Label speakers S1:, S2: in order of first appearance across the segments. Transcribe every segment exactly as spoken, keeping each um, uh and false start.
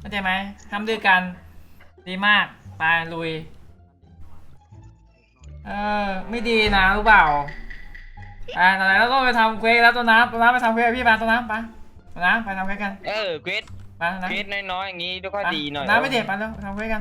S1: เข้าใจไหมทำด้วยกันดีมากไปลุยเออไม่ดีนะรู้เปล่าอ่าตอนไหนเราต้องไปทำเควสแล้วตัวน้ำตัวน้ำไปทำเควสพี่มาตัวน้ำไปตัวน้ำไปทำเควสกัน
S2: เออเกรด
S1: ไปนะ
S2: เกรดน้อยๆอย่างงี้ดูก็ดีหน่อย
S1: น้ำไม่เด็ดไปแล้วทำเควสกัน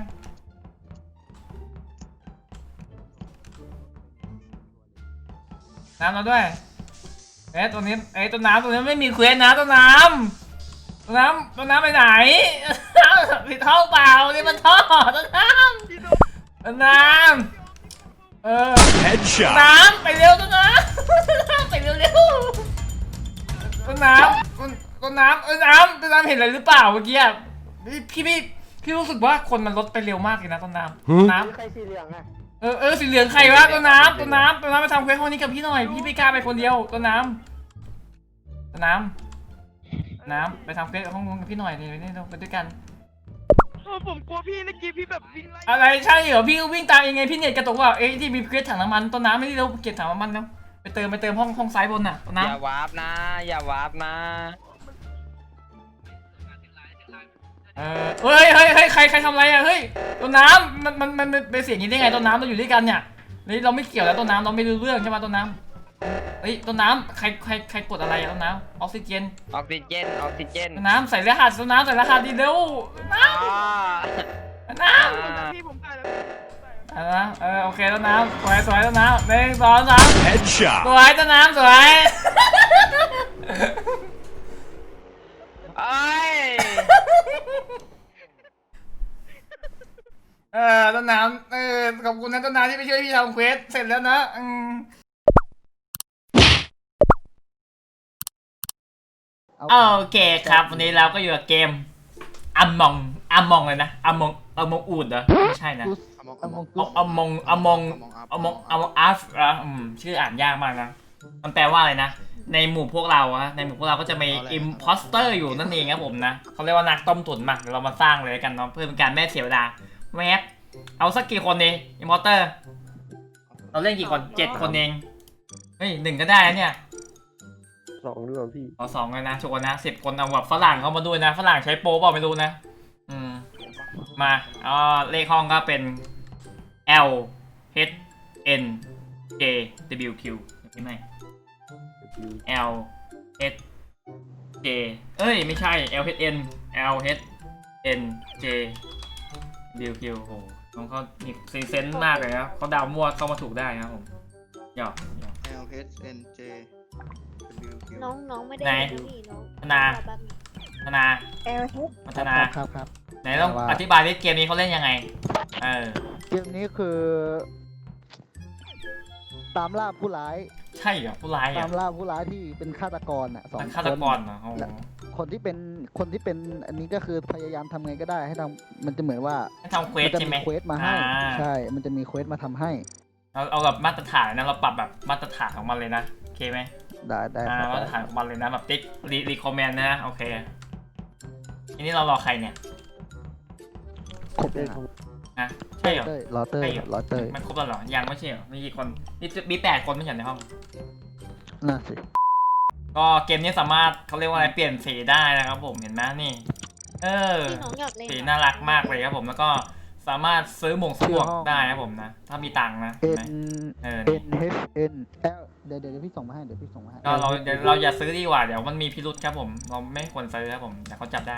S1: น้ำเราด้วยเอ๊ะตัวนี้เอ๊ะตัวน้ำตัวนี้ไม่มีเควสนะตัวน้ำตัวน้ำตัวน้ำไปไหนผิดท่อเปล่านี่มันท่อตัวน้ำตัวน้ำเออน้ำไปเร็วตัวน้ำไปเร็วเร็วตัวน้ำตัวน้ำเออน้ำตัวน้ำเห็นอะไรหรือเปล่าเมื่อกี้พี่พี่พี่รู้สึกว่าคนมันลดไปเร็วมากเลยนะตัวน้ำน้ำ
S3: ใครสีเหลืองอะ
S1: เออเออสีเหลืองใครวะตัวน้ำตัวน้ำตัวน้ำมาทำเควสห้องนี้กับพี่หน่อยพี่ไม่กล้าไปคนเดียวตัวน้ำตัวน้ำน้ำไปทำเควสห้องนู้นกับพี่หน่อยนี่นี่เราไปด้วยกัน
S3: ผมกลัวพี่เมื่อกี้พี่แบบวิ่งไล่
S1: อะไรใช่เหรอพี่วิ่งตามยังไงพี่เน็ตกระตุกว่าเอ้ยที่มีเควสถังน้ำมันต้นน้ำไม่ได้เราเก็บถังน้ำมันแล้วไปเติมไปเติมห้องห้องซ้ายบนน่ะต้นน้ำ
S2: อย่าวาร์ปนะอย่าวาร์ปนะ
S1: เออเฮ้ยเฮ้ยเฮ้ยใครใครทำอะไรอ่ะเฮ้ยต้นน้ำมันมันมันเป็นเสียงอย่างนี้ได้ไงต้นน้ำเราอยู่ด้วยกันเนี่ยนี่เราไม่เกี่ยวแล้วต้นน้ำเราไม่รู้เรื่องใช่ไหมต้นน้ำเฮ้ยต้นน้ำใครใครใครกดอะไรอะต้นน้ำออกซิเจน
S2: ออกซิเจนออกซิเจน
S1: ต้นน้ำใส่รหัสต้นน้ำใส่รหัสดีเร็วน้ำน้ำ
S3: พี่ผมตายแล้ว
S1: เออเออโอเคต้นน้ำสวยสวยต้นน้ำหนึ่งสองสามสวยต้นน้ำสวย
S2: ไอ้
S1: เออต้นน้ำเออขอบคุณนะต้นน้ำที่ไปช่วยพี่ทำเควสเสร็จแล้วนะอืมโอเคครับวันนี้เราก็อยู่กับเกมอัมมองอัมมองเลยนะอัมมองอัมมองอูดเหรอไม่ใช่นะอัมมองอัมมองอัมมองอัมมองอัมมองอัฟอ่ะอืมชื่ออ่านยากมากนะมันแปลว่าอะไรนะในหมู่พวกเราอะในหมู่พวกเราก็จะมีอิมพอสเตอร์อยู่นั่นเองครับผมนะเขาเรียกว่านักต้มตุ๋นมาเรามาสร้างเลยกันเนาะเพื่อเป็นการแม่เสียเวลาแวบเอาสักกี่คนดีอิมพอสเตอร์เราเล่นกี่คนเจ็ดคนเองเฮ้ยหนึ่งก็ได้นะเนี่ย
S3: สองด้วยพี่
S1: เอาสองเลยนะชวนนะสิบคนเอาแบบฝรั่งเข้ามาด้วยนะฝรั่งใช้โป๊เปล่าไม่รู้นะอืมมาอ๋อเลขห้องก็เป็น L H N J W Q ใช่ไหม L H J เอ้ยไม่ใช่ L H N L H N J W Q โอ้โหน้องเขามีซีเซนต์มากเลยนะเขาดาวมั่วเข้ามาถูกได้นะผมหยอก
S4: L H N J
S5: น้องน้องไม่ได้พี่น้อง
S1: ธนาธนา
S5: L H
S1: พัฒนา
S3: ครับครับ
S1: ไหนต้องอธิบายดิเกมนี้เขาเล่นยังไงเออ
S3: เกมนี้คือตามล่าผู้ร้าย
S1: ใช่เหรอผู้ร้ายอ่ะ
S3: ตามล่าผู้ร้ายที่เป็นฆาตกรอ่ะสองคน
S1: ฆาตกรเหรอ
S3: คนที่เป็นคนที่เป็นอันนี้ก็คือพยายามทำไงก็ได้ให้ทำมันจะเหมือนว่า
S1: ให้ทำเควสใช่ไหม
S3: เควสมาให้ใช่มันจะมีเควสมาทำให้
S1: เราเอาแบบมาตรฐานนะเราปรับแบบมาตรฐานของมันเลยนะโอเคไหม
S3: ได้ได้
S1: มาตรฐานของมันเลยนะแบบติ๊กรีรีคอมเมนต์นะโอเคทีนี้เรารอใครเนี่ย
S3: ครบเลย
S1: นะใช่เหรอ
S3: รอเตอร์รอเตอร์
S1: มันครบแล้วเหรอยังไม่ใช่เหรอมีกี่คนมีมีแปดคนไม่ใช่ในห้อง
S3: น่าสิ
S1: ก็เกมนี้สามารถเขาเรียกว่าอะไรเปลี่ยนสีได้นะครับผมเห็นไหมนี่เออสีน่ารักมากเลยครับผมแล้วก็สามารถซื้อหมวกสวกได้ครับผมนะถ้ามีตังค์นะ
S3: N N H N L เดี๋ยวเดี๋ยวพี่ส่งมาให้เดี๋ยวพี่ส่งมาให้
S1: ก็เราเดี๋ยวเราอย่าซื้อดีกว่าเดี๋ยวมันมีพิรุธครับผมเราไม่ควรซื้อครับผมแต่เขาจับได้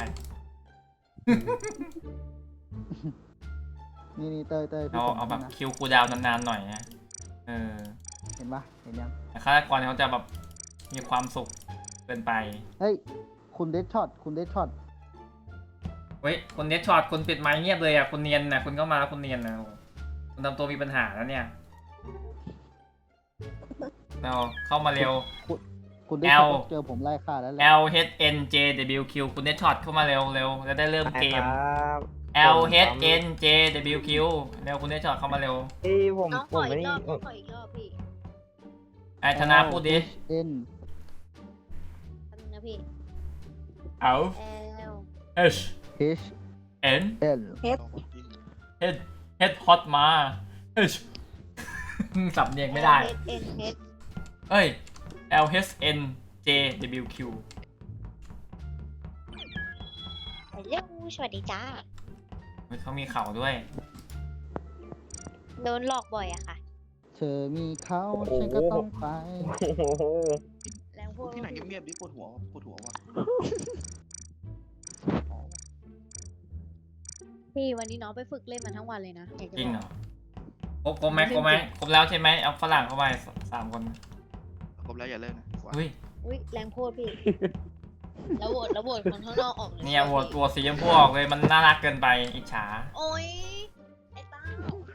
S3: นี่นี่เต้ยเต้ย
S1: เราเอาแบบคิวคูดาวนานๆหน่อยนะเออ
S3: เห็นปะเห็นยัง
S1: แต่ฆาตกรเขาจะแบบมีความสุขเกินไป
S3: เฮ้ยคุณเดชช็อตคุณเดชช็อต
S1: เฮ้ยคุณเดชช็อตคุณปิดไมค์เงียบเลยอ่ะคุณเนียนนะคุณเข้ามาแล้วคุณเนียนนะคุณทำตัวมีปัญหาแล้วเนี่ยเราเข้ามาเร็ว
S3: คุณเดชเจอผมไล่ฆ่าแล้ว
S1: L H N J W Q คุณเดชช็อตเข้ามาเร็วเร็วแล้วได้เริ่มเกม L H N J W Q เร็วคุณได้ช็อตเข้ามาเร็ว
S4: พี่ผม
S5: น้องขออีกรอบขออีกรอบพี่
S1: ไอ้ธนาพูดดิ
S3: N
S5: นะพี่
S1: L H
S3: H
S1: N
S3: L
S5: H
S1: H H hot มา H สับเนียงไม่ได้เอ้ย L H N J W Q
S5: เร็วสวัสดีจ้า
S1: เฮ้ยเขามีเข่าด้วย
S5: โดนหลอกบ่อยอะค่ะ
S3: เธอมีเขาฉันก็ต้องไป
S5: แรงพูด
S4: ที่ไหนเงียบๆดิปวดหัวปวดหัวว่ะ
S5: พี่วันนี้น้องไปฝึกเล่นมาทั้งวันเลยนะอยากจะ
S1: จริง
S5: บ
S1: เหร
S5: อก
S1: อครบครบไหมครบไหมครบแล้วใช่ไหมเอาฝรั่งเข้าไปสามคน
S4: ครบแล้วอย่าเลิกนะ
S1: อุ้ย
S5: อุ้ยแรงพูดพี่ แล้วโหวตแล้วโหวตคนข้างนอกออกเลย
S1: เนี่ยโหวตตัวสีชมพูออกเลยมันน่ารักเกินไปอิจฉา
S5: โอ้ยไอ้ต้า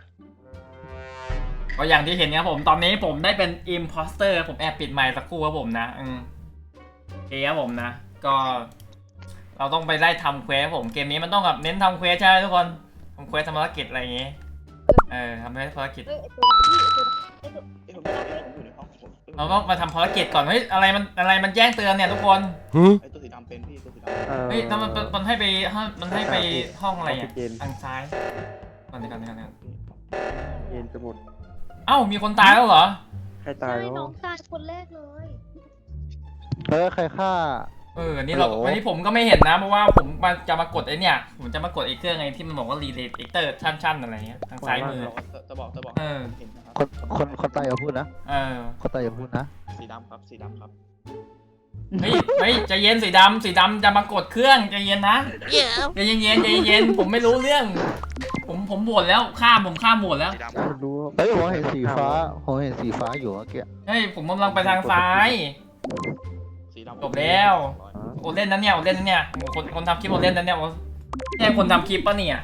S1: ก็อย่างที่เห็นครับผมตอนนี้ผมได้เป็นอิมพอสเตอร์ผมแอบปิดไมค์สักครู่ครับผมนะอืมโอเคครับผมนะ ก็ เราต้องไปไล่ทำเควสครับผมเกมนี้มันต้องแบบเน้นทำเควสใช่ไหมทุกคนทำเควสทำภารกิจอะไรอย่างงี้เออทำภารกิจ
S5: เอ้ยไอ้ตัวนั้นพี่ไอ้ตัวไอ้ตัว
S4: เอ้ยผมผมอยู่ในห้องผม
S1: เราต้องมาทำภารกิจก่อนเฮ้ยอะไรมันอะไรมันแจ้งเตือนเนี่ยทุกคน
S4: ไอ้ตัวสีดำเป็นพี่ตัวสีด
S1: เฮ้ยแล้วมันมันมันให้ไปมันให้ไปห้องอะไรอ่ะ
S6: ออกซิเจน
S1: ทางซ้ายก่อนดีก่อนดีก่อนดีก่อน
S6: เย็นจะหมด
S1: เอ้ามีคนตายแล้วเหรอ
S6: ใครตาย
S5: ใช่
S6: แล้ว
S5: น้องตายคนแรกเลย
S3: เออใครฆ่า
S1: เออนี่เรา
S3: ฮัลโหล
S1: วันนี้ผมก็ไม่เห็นนะเพราะว่าผมมาจะมากดไอ้เนี่ยผมจะมากดไอ้เครื่องไอ้ที่มันบอกว่ารีเลย์เตอร์ชั่นๆอะไรเงี้ยทางซ้ายมือ
S4: ำจะบอกจะบอก
S1: เออ
S4: เห็นนะครับ
S3: คนคนคนตายอย่าพูดนะ
S1: เออ
S3: คนตายอย่าพูดนะ
S4: สีดำครับสีดำครับ
S1: เฮ้ยเฮ้ยใจเย็นสีดำสีดำจะมากดเครื่องใจเย็นนะใจเย็นเย็นใจเย็นผมไม่รู้เรื่อง ผมผมบวชแล้วข้ามผมข้ามบวชแล้ว
S4: สีดำ
S6: ไม่รู้ว่า
S3: เฮ้ยผมเห็นสีฟ้าผมเห็นสีฟ้าอยู่เมื่อกี้
S1: เฮ้ยผมกำลังไปทางซ้าย
S4: สีดำ
S1: จบแล้ว โอเล่นนั้นเนี่ยโอเล่นนั้นเนี่ยโอ้คนคนทำคลิปโอเล่นนั้นเนี่ยโอ้เนี่ยคนทำคลิปปะเนี่ย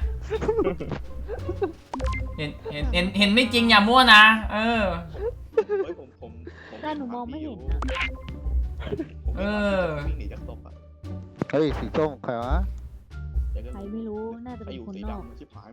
S1: เห็นเห็นเห็นเห็นไม่จริงอย่ามั่วนะเออ
S4: เฮ้ยผมผมผม
S5: แต่หนูมองไม่เห็นอะ
S1: เออ
S4: วิ่งหนีจากศพอ่ะ
S3: เฮ้ยสีส้มใครวะ
S5: ใครไม่รู้น่าจะ
S4: ไป
S5: เป็น
S4: อยู่
S5: คน
S4: สี
S5: นอก
S4: ดำชิบหาย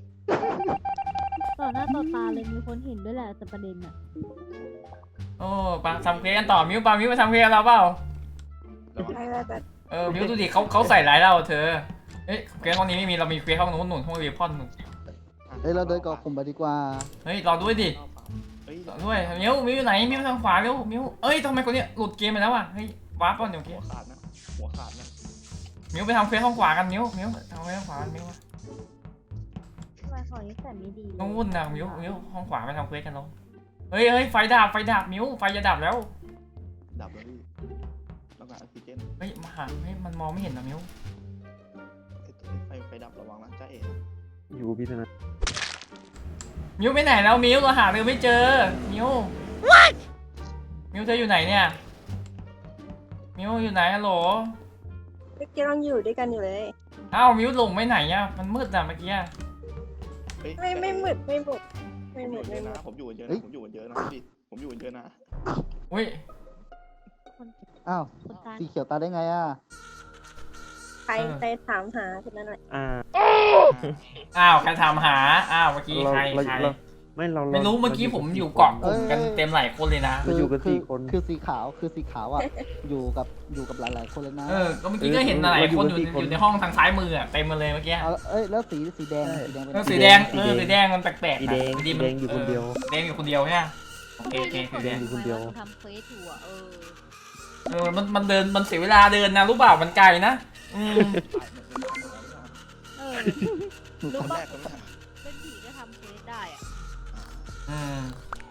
S5: ต่อหน้าต่อตาเลยมีคนเห็นด้วยแหละแต่ประเด็นอะ
S1: โอ้ปาทำเควสกันต่อมิวปามิวมาทำเควสกับเราเปล่า
S4: ระวัง
S1: เออมิวดูดิเขาเขาใส่ร้ายเราเธอเฮ้ยเควสห้องนี้ไม่มีเรามีเควสห้องนู้นหนุนห้องเรียพอนหนุน
S3: เฮ้ยเราเดินกับกลุ่มไปดีกว่า
S1: เฮ้ยรอด้วยดิ
S4: เฮ้ย
S1: รอด้วยมิวมิวอยู่ไหนมิวทางขวาเร็วมิวเอ้ยทำไมคนเนี้ยหลุดเกมไปแล้วอ่ะเฮ้ยวาร์ปก่อนเดี๋ยวเก
S4: หัว
S1: ม
S4: ขาดนะหัวขาดนะ
S1: มิวไปทำเควสห้องขวากันมิวมิวทำเควสห้องขวากันมิว
S5: ทำไมของนี้แต่ไม่ดีเลย
S1: ต้องวุ่นนะมิวมิวห้องขวาไปทำเควสกันลงเฮ้ยเฮ้ยไฟดับไฟดับมิวไฟจะดับแล้ว
S4: ดับแล้วพี่ต้องการออกซิเจน
S1: เฮ้ยมาหาเฮ้ยมันมองไม่เห็นนะมิว
S4: ไฟไฟดับระวังนะจ้าเอ๋
S6: อยู่พิธนา
S1: มิวไปไหนแล้วมิวเราหาเธอไม่เจอมิวมิวเธออยู่ไหนเนี่ยมิวอยู่ไหนฮัลโหล
S7: เมื่อกี้เราอยู่ด้วยกันอยู่เลย
S1: อ้าวมิวหลงไปไหนอ่ะมันมืดอ่ะเมื่อกี้
S7: ไม่ไม่หมึดไม่บุกไม่
S4: ผม
S7: ห
S4: อ
S7: มึ
S4: ยู่
S7: ด
S4: เย
S7: ไม่
S4: อะ
S7: หมึ
S4: นะ
S7: ด
S4: ผมอยู่กันเยอะนะผมอยู่กันเยอะนะพี่ผมอยู่กันเยอะนะ
S1: อุ้ย
S3: อ้าว
S5: คนตาย
S3: สีเขียวตายได้ไงอ่ะ
S7: ใครใครถามหาคนนั้นแหละ
S6: อ่า
S1: อ้าวใครถามหาอ้าวเมื่อกี้
S6: เรา
S1: ใคร
S6: เรา
S1: ใคร
S6: เราไม่เรา
S1: ไม่รู้เมื่อกี้ผมอยู่เกาะกลุ่มกันเต็มหลายคนเลยนะ
S6: เราอยู่กันสี่คน
S3: คือสีขาวคือสีขาวอ่ะ อยู่กับอยู่กับหลายๆคนเลยนะ
S1: เออก็เมื่อกี้ก็เห็นหลายคนอยู่อยู่ในห้องทางซ้ายมืออ่ะเต็มมาเลยเมื่อกี้
S3: เอาเอ้ยแล้วสีสีแดงสีแดงเป็น
S1: เออสีแดงเออสีแดงมันแปลกๆ
S6: สี
S1: นะ
S6: แดง
S1: สี
S6: สีแดงอยู่คนเดียว
S1: แดงอยู่คนเดียวใช่ไหมโอเคโอเคสีแดง
S6: อยู่คนเดียว
S5: ทำเฟซอยู่อะเออ
S1: เออมันมันเดินมันเสียเวลาเดินนะรู้เปล่ามันไกลนะอืม
S5: เออ
S4: คน
S5: รู้
S4: แร
S5: ป่ะ
S4: กก็ไม่ใช่
S5: เป็นผีก็ทำเฟซได้อะ
S1: อืม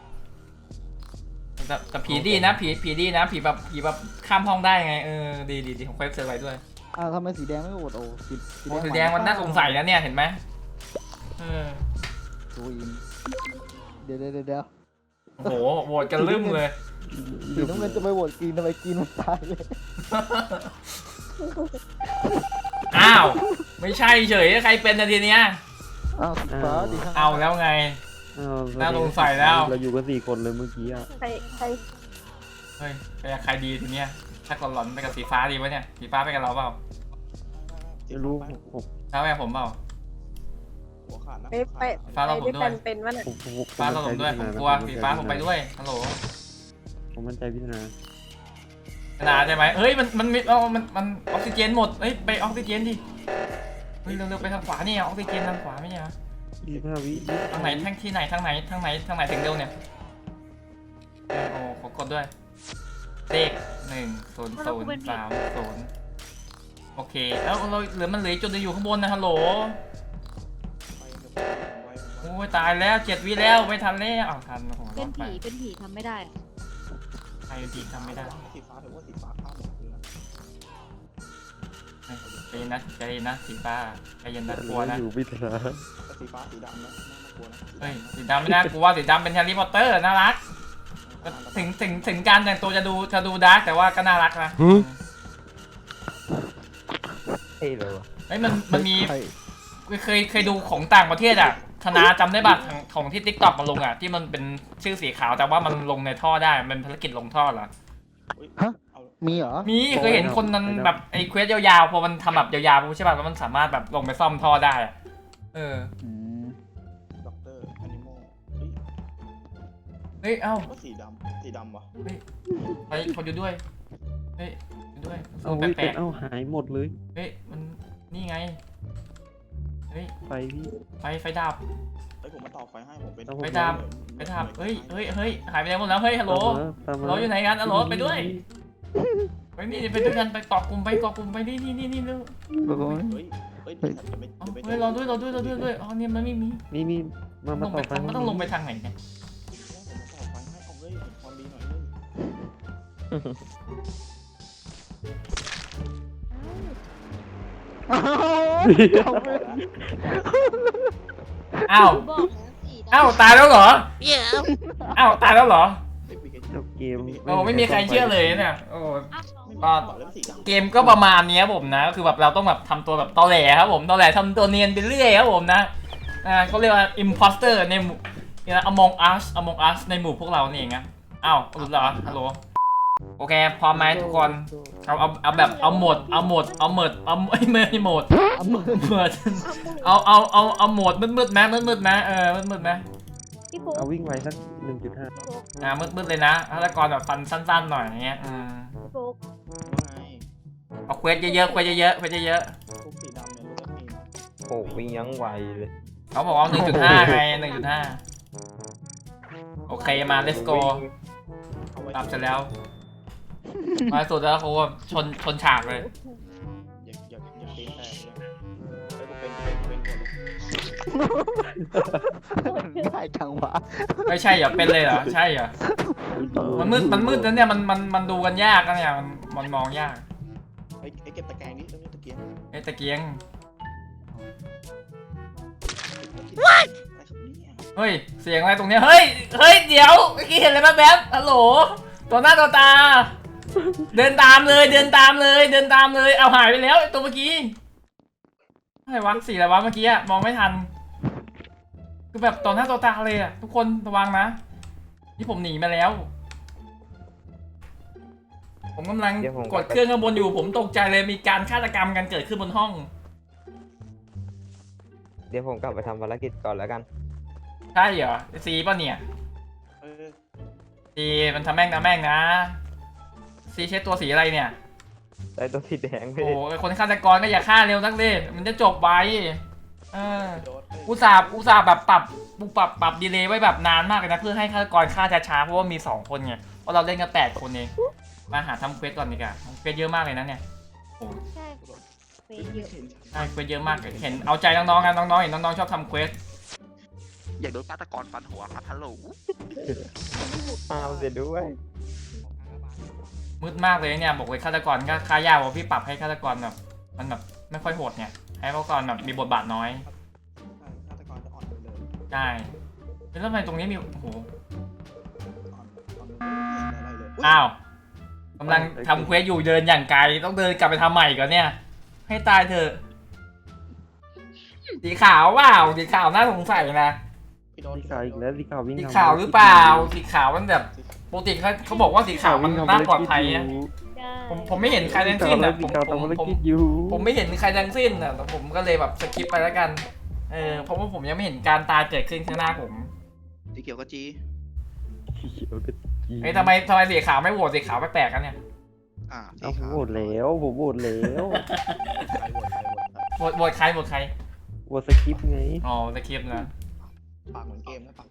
S1: แต่แต่ผีดีนะผีผีดีนะผีแบบผีแบบข้ามห้องได้ไงเออดีดีดีผมเคยเจอไว้ด้วย
S3: อ้าวทำไมสีแดงไม่โหวตโอ้สี
S1: โอ้สีแดงมันน่าสงสัยนะเนี่ยเห็นไหมเออ
S3: ดูอินเดี๋ยวเดี๋ยวเดี๋ยวเดี๋ยว
S1: โอ้โหโหวตกันลืมเลย
S3: สีน้ำเงินจะไปโหวตกรีนทำไมกรีนมันตายเลย
S1: อ้าวไม่ใช่เฉยใครเป็นนาทีเนี้ย
S3: อ้าวสีฟ้าดีข้าง
S1: เอาแล้วไง
S6: อ้าว
S1: น่าสงสัยแล้ว
S6: เราอยู่กันสี่คนเลยเมื่อกี้อ่ะ
S7: ใครใคร
S1: เฮ้ยไปกับใครดีทีเนี้ยถ้ากดหลอนไปกับสีฟ้าดีวะเนี่ยสีฟ้าไปกับเราเปล่า
S6: ไม่รู้ผม
S1: ฟ้าไปกับผมเปล่า
S4: หัวขาดนะ
S7: ไปไป
S1: ฟ้า
S7: ไป
S1: เราผม
S7: ด้วย
S1: ด้ว
S7: กั
S1: ย
S7: นเป็นวะน่ะ
S6: ผมผมผม
S1: ฟ้าเราผมด้วยผมกลัวสีฟ้าผมไปด้วยฮัลโหล
S6: ผมมั่นใจพิธนา
S1: นาใช่ไหมเฮ้ยมันมันมีเอามันมันออกซิเจนหมดเฮ้ยไปออกซิเจนดิเฮ้ยเร็วๆไปทางขวาเนี่ยออกซิเจนทางขวาไม่ใช่เหรอ
S6: ยี่สิบห้าวิ
S1: ทางไหนทางที่ไหนทางไหนทางไหนทางไหนถึงเร็วเนี่ยเออโอ้ขอกดด้วยเลขหนึ่งศูนย์ศูนย์สามศูนย์โอเคแล้วเราเหลือมันเหลือจุดเดียวอยู่ข้างบนนะฮัลโหล
S4: ไปกับไว้ไว้
S1: โอ้ยตายแล้วเจ็ดวิแล้วไม่ทันแล้วอ้าวทันโอ้โหร
S5: เป็
S1: อน ดไป
S5: ผีเป็นผีทำไม่ได้อะ
S1: ใครเป็นผีทำไม่ได้
S4: สีฟ้าถือว่าสีฟ้าข้ามหมดเลยนะ
S1: ใจเย็นนะใจเย็นนะสีฟ้าใจเย็นนะกลัวนะ
S6: อยู่พิธนา
S4: แต่สีฟ้าสีดำนะน่ากลัวนะ
S1: เฮ้ยสีดำไม่น่ากลัวสีดำเป็นแฮร์รี่พอตเตอร์น่ารักถึงถึงถึงการแต่งตัวจะดูจะดูดาร์กแต่ว่าก็น่ารักนะ
S2: เท่เลยวะ
S1: เฮ้ยมันมันมี
S3: ใช่
S1: เคยเคยดูของต่างประเทศอ่ะธนาจำได้ป่ะของของที่ติ๊กต็อกมาลงอ่ะที่มันเป็นชื่อสีขาวแต่ว่ามันลงในท่อได้มันเป็นภารกิจลงท่อเหรอ
S4: เอา
S3: มีเหรอ
S1: มีเคยเห็นคนนั้นแบบไอ้เควสยาวๆพอมันทำแบบยาวๆใช่ป่ะแล้วมันสามารถแบบลงไปซ่อมท่อได้อะเออ
S3: อืม
S4: ด็อกเตอร์แอนิมอลเฮ้ย
S1: เฮ้ยเอ้า
S4: ก็สีดำสีดำวะ
S1: ไปคนอยู่ด้วยเฮ้ยอยู่ด้วย
S6: เอา
S1: แป
S6: วิ
S1: ล
S6: เป็น
S1: ก
S6: เอาหายหมดเลย
S1: ๆเฮ้ยมันนี่ไงเฮ้ย
S6: ไปพี่
S1: ไฟไฟดับ
S4: เฮ้ยผมมาต่อไฟให้ผมเป็น
S1: ไฟดับ ไฟดับเฮ้ยเฮ้ยเฮ้ยหายไปไหนหมดแล้วเฮ้ยฮัลโหล
S6: ตามมา
S1: ฮัลโหลอยู่ไหนกันฮัลโหลไปด้วย ไปนี่ไปด้วยกันไปเกาะกลุ่มไปเกาะกลุ่มไปนี่นี่นี่นี่เร็ว
S3: โอ้ย
S4: เฮ้ยเฮ้ยเดี๋ยวจะไม่
S1: เอา
S4: จะไม่
S1: เฮ้ยรอด้วยรอด้วยรอด้วยด้วยอ๋อเนี่ยมันไม่มี
S6: นี่นี่มา
S1: ต้
S6: มา
S1: อง
S6: ต่
S1: ไป
S6: อไป
S1: มันต้องลงไปทางไหนเนี่ย
S4: ผมมาต่อไฟให้เอาเฮ้ยเห็นความดีหน่อยเลย
S3: เอาไป
S1: อ้าว
S5: บอกแล้วสีดำ
S1: อ้าวตายแล้วเหรอ
S5: เดี๋ยว
S1: อ้าวตายแล้วเหรอ
S4: เฮ้ยมีใคร
S6: จบเกม
S1: โอ้ไม่มีใครเชื่อเลยเนี่ยโอ้
S5: อ้าว
S4: ไม่มี
S1: ก็
S4: ต่อเรื่องสีดำ
S1: เกมก็ประมาณเนี้ยผมนะก็คือแบบเราต้องแบบทำตัวแบบตอแหลครับผมตอแหลทำตัวเนียนไปเรื่อยครับผมนะอ่าเขาเรียกว่า imposter ในหมู่เนี่ย among us among us ในหมู่พวกเรานี่เองนะอ้าวหลุดเหรอฮัลโหลโอเคพร้อมไหมทุกคนเอาเอาเอาแบบเอาหมดเอาหมดเอาหมดเอาไม่ไม่หมด
S3: เอามือ
S1: หมดเอาเอาเอาเอาโหมดมืดมืดๆไหมมืดมืดๆไหมเออมืดมืดๆไหม
S5: พี่ปุ๊ก
S6: เอาวิ่งไวสักหนึ่งจุดห้า
S5: พี่ปุ๊ก
S1: อ่ามืดมืดๆเลยนะฆาตกรแบบฟันสั้นๆหน่อยอย่างเงี้ยอืม
S5: พี่ปุ๊ก
S4: ว่าไง
S1: เอาเควสเยอะๆเควสเยอะๆเควสเยอะ
S4: ทุกสีดำเนี่ยรู้ว่ามีนะ
S2: โอ้วิ่งยังไวเลย
S1: ๆเขาบอกว่าหนึ่งจุดห้าไงหนึ่งจุดห้าโอเคมา let's go
S4: เอาไว้
S1: ตามเสร็จแล้ว มาสุดแล้วเขาแบบชนชนฉากเลย
S4: อย่าอย่าอย่าตีนแตกเลยเฮ้ยกูเป็นเป็นเป็นหมดเลย
S3: ง่ายจังวะ
S1: ไม่ใช่เหรอเป็นเลยเหรอใช่เหรอมันมืดมันมืดนะเนี่ยมันมันมันดูกันยากนะเนี่ยมันมันมองยาก
S4: เฮ้ยไอ้เก็บตะแกรงนี่ตรงนี้ตะเกียง
S1: ไอ้ตะเกียง
S4: อะไรครับเนี่ย
S1: เฮ้ยเสียงอะไรตรงเนี้ยเฮ้ยเฮ้ยเดี๋ยวเมื่อกี้เห็นอะไรแป๊บๆฮัลโหลตัวหน้าตัวตา เดินตามเลยเดินตามเลยเดินตามเลยเอาหายไปแล้วไอ้ตัวเมื่อกี้อะไรวะสีอะไรวะเมื่อกี้อะมองไม่ทันคือแบบต่อหน้าต่อตาเลยอะทุกคนระวังนะนี่ผมหนีมาแล้ว ผมกำลังกดเครื่องข้างบนอยู่ผมตกใจเลยมีการฆาตกรรมกันเกิดขึ้นบนห้อง
S2: เดี๋ยวผมกลับไปทำภารกิจก่อนแล้วกัน
S1: ใช่เหรอสีป่ะเนี่ย
S4: เออ
S1: สีมันทำแม่งนะแม่งนะสีใช้ตัวสีอะไรเนี่ย
S2: ได้ตัวสีแดงไป
S1: โอ้
S2: ดิ
S1: โหไอ้คนฆาตกรก็อย่าฆ่าเร็วนักเลยมันจะจบไวเออ
S4: โดนเฮ้ย
S1: อุตส่าห์อุตส่าห์แบบปรับปรับปรับดีเลย์ไว้แบบนานมากเลยนะเพื่อให้ฆาตกรฆ่าช้าๆเพราะว่ามีสองคนไงเพราะเราเล่นกันแปดคนเองมาหาทำเควสก่อนดีกว่าทำเควสเยอะมากเลยนะเนี่ยโอ้
S5: ใช่เฟยเยอะ
S4: เห็น
S1: ใช่เควสเยอะมากเห็นเอาใจน้องๆกันน้องๆเห็นน้องๆชอบทำเควส
S4: อยากโดนฆาตกรฟันหัวครับฮัลโหล
S2: มาเสียด้วย
S1: มืดมากเลยเนี่ยบอกเลยฆาตกรก็ฆ่ายากว่าพี่ปรับให้ฆาตกรแบบมันแบบไม่ค่อยโหดเนี่ยให้ฆาตกรแบบมีบทบาทน้อย
S4: ฆาตกรจะอ่อนไปเลย
S1: ใช่แล้วทำไมตรงนี้มีโอ้โห
S4: อ่อนอ่อนไม่เห็นอะไรเลยอุ๊ย
S1: อ้าวกำลังทำเควสอยู่เดินอย่างไกลต้องเดินกลับไปทำใหม่ก่อนเนี่ย ให้ตายเถอะสีขาวว้าวสีขาวน่าสงสัยนะ
S4: พี่โดน
S6: สีขาวอีกแล้วสีขาววิ่ง
S1: สี
S6: ทำ
S1: ขาวหรือเปล่าสีขาวมันแบบปกติเขาเขาบอกว่าสีขาวมันน่าปลอดภัยนะ
S5: ใช่
S1: ผมผมไม่เห็นใครทั้งสิ้นอ่ะผมผมผม
S6: อยู่
S1: ผมไม่เห็นใครทั้งสิ้นอ่ะแต่ผมก็เลยแบบสกิปไปแล้วกันเออเพราะว่าผมยังไม่เห็นการตายเกิดขึ้นข้างหน้าผม
S4: สีเขียวกับจี
S1: เอ้ยทำไมทำไมสีขาวไม่โหวตสีขาวแปลกๆกันเนี่ย
S4: อ่าสี
S6: เอาผม
S4: ขาว
S6: โหวตแล้วผมโหวตแล้ว
S4: ใครโหวตใครโหวตใคร
S1: โหวตโหวตใครโหวตใคร
S6: โหวตสคริปต์ไง
S1: อ๋อสกิปนะ
S4: ปากเหมือนเกมนะปากตอแหล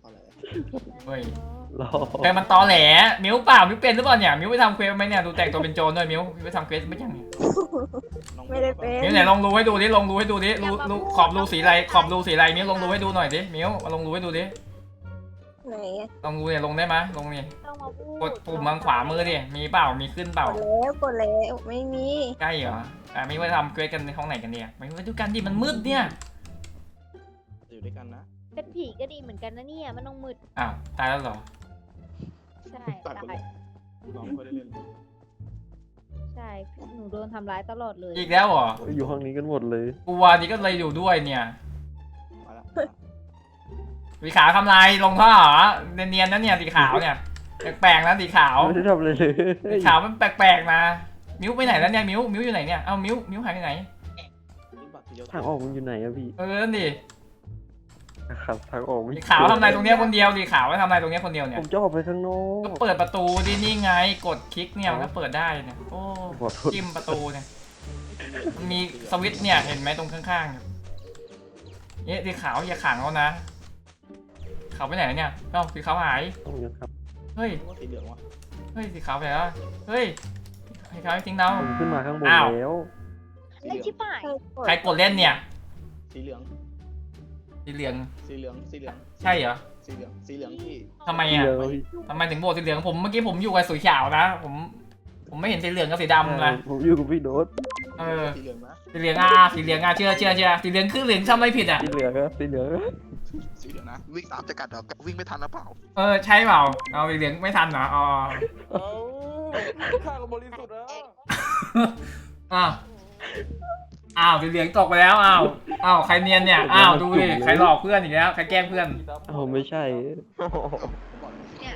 S1: เฮ้ย
S6: รอ
S1: แต่มันตอแหลมิ้วเปล่ามิ้วเป็นหรือเปล่าเนี่ยมิ้วไปทำเควสไหมเนี่ยดูแต่งตัวเป็นโจรด้วยมิ้วมิ้วไปทำเควสไม่ยังเนี่ย
S4: น้อง
S7: ไม่ได้เป็น
S1: มิ้วไหนลองรูให้ดูดิลองรูให้ดูดิรูรูขอบรูสีอะไรขอบรูสีอะไรมิ้วลองรูให้ดูหน่อยดิมิ้วมาลองรูให้ดูดิ
S7: ไหนอะ
S1: ลองรูเนี่ยลงได้ไหมลงนี่
S5: ต้องมาพูด
S1: กดปุ่มทางขวามือดิมีเปล่ามีขึ้นเป
S7: ก
S1: ล่า
S7: ดแล้วกดแล้วไม่มี
S1: ใกล้เหรออ่ะมิ้วไปทำเควสกันในห้องไหนกันเนี่ยมิ้วไปดูกันดิมันมืดเนี่ย
S4: อยู่ด้วยกันนะ
S5: เป็นผีก็ดีเหมือนกันนะเนี่ยมันต้องมืด
S1: อ้าวตายแล้วเหรอ
S5: ใช่
S4: ตายไป
S5: ตาย
S4: น้องไม่ได้เล่น
S5: ใช่หนูโดนทำร้ายตลอดเลย
S1: อีกแล้วเหรอ
S6: อยู่ห้องนี้กันหมดเลย
S1: กูวานี่ก็เลยอยู่ด้วยเนี่ย
S4: มาละ
S1: สีขาวทำลายลงท่อเหรอเนียนๆนะเนี่ยสีขาวเนี่ยแปลกๆนะสีขาว
S6: ไม่ได้ทำอะไรเลย
S1: สีขาวมันแปลกๆนะมิ้วไปไหนแล้วเนี่ยมิ้วมิ้วอยู่ไหนเนี่ยเอ้ามิ้วมิ้วหายไปไหน
S4: นี่บัตรเดียว
S6: ทางออกมันอยู่ไหนอะพี่
S1: เออนั่นดิ
S6: ครับทางออกไม่
S1: สีขาวทำอะไรตรงเนี้ยคนเดียวสีขาวไว้ทำอะไรตรงเนี้ยคนเดียวเนี่
S6: ผ
S1: ย
S6: มจะออกไปข้างนอ
S1: ก็
S6: ก
S1: เปิดประตูดินี่ไงกดคลิกเนี่ยมันก็เปิดได้เนี่ยโอ้
S6: ขอโทษ
S1: จิ้มประตูเนี่ยมันมีสวิตช์เนี่ยเห็นไหมตรงข้างๆเนี่ยสีขาวอย่าขังเขานะขาวไปไหนเนี่ยเอ้าสีขาวหาย
S6: ต้องอย่างครับ
S1: เฮ้ย
S4: ว่าสีเหลืองวะ
S1: เฮ้ยสีขาวไปแล้วเฮ้ยสีขาวทิ้งเรา
S6: ผมขึ้นมาข้างบน
S1: อ้าว
S6: แล้ว
S4: สี
S5: ไอ้
S4: เหลือง
S5: ชิบหาย
S1: ใครกดเล่นเนี่ย
S4: สีเหลือง
S1: สีเหลือง
S4: สีเหลืองสีเหลือง
S1: ใช่เหรอ
S4: สีเหลืองสีเหลืองที่
S1: ทำไมอ่ะ
S6: เดี๋ยวพี่
S1: ทำไมถึงโบกสีเหลืองผมเมื่อกี้ผมอยู่กับสีขาวนะผมผมไม่เห็นสีเหลืองกับสีดำนะ
S6: ผมอยู่กับพี่โดด
S1: เออ
S4: สีเหลืองนะ
S1: สีเหลืองอ่ะสีเหลืองอ่ะเชื่อเชื่อเชื่อสีเหลืองคือเหลืองทำอะไรผิดอ่ะ
S6: สีเหลืองครับสีเหลือง
S4: สีเหลืองนะวิ่งตามจะกัดเหรอวิ่งไม่ทันหรือเปล่า
S1: เออใช่เปล่าเอาสีเหลืองไม่ทันเหรออ๋อ
S2: เอาข้าก็บริสุทธิ์นะ
S1: อ้าวอ้าวสีเหลืองตกไปแล้วอ้าวอ้าวใครเนียนเนี่ยอ้าวดูดิใครหลอกเพื่อนอีกแล้วใครแกล้งเพื่อน
S6: อ้าวไม่ใช่
S5: เนี่ย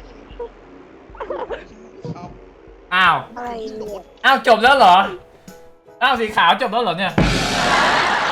S4: เอา
S1: อ้าว
S7: อะไรเนี่ย
S1: อ้าวจบแล้วเหรออ้าวสีขาวจบแล้วเหรอเนี่ย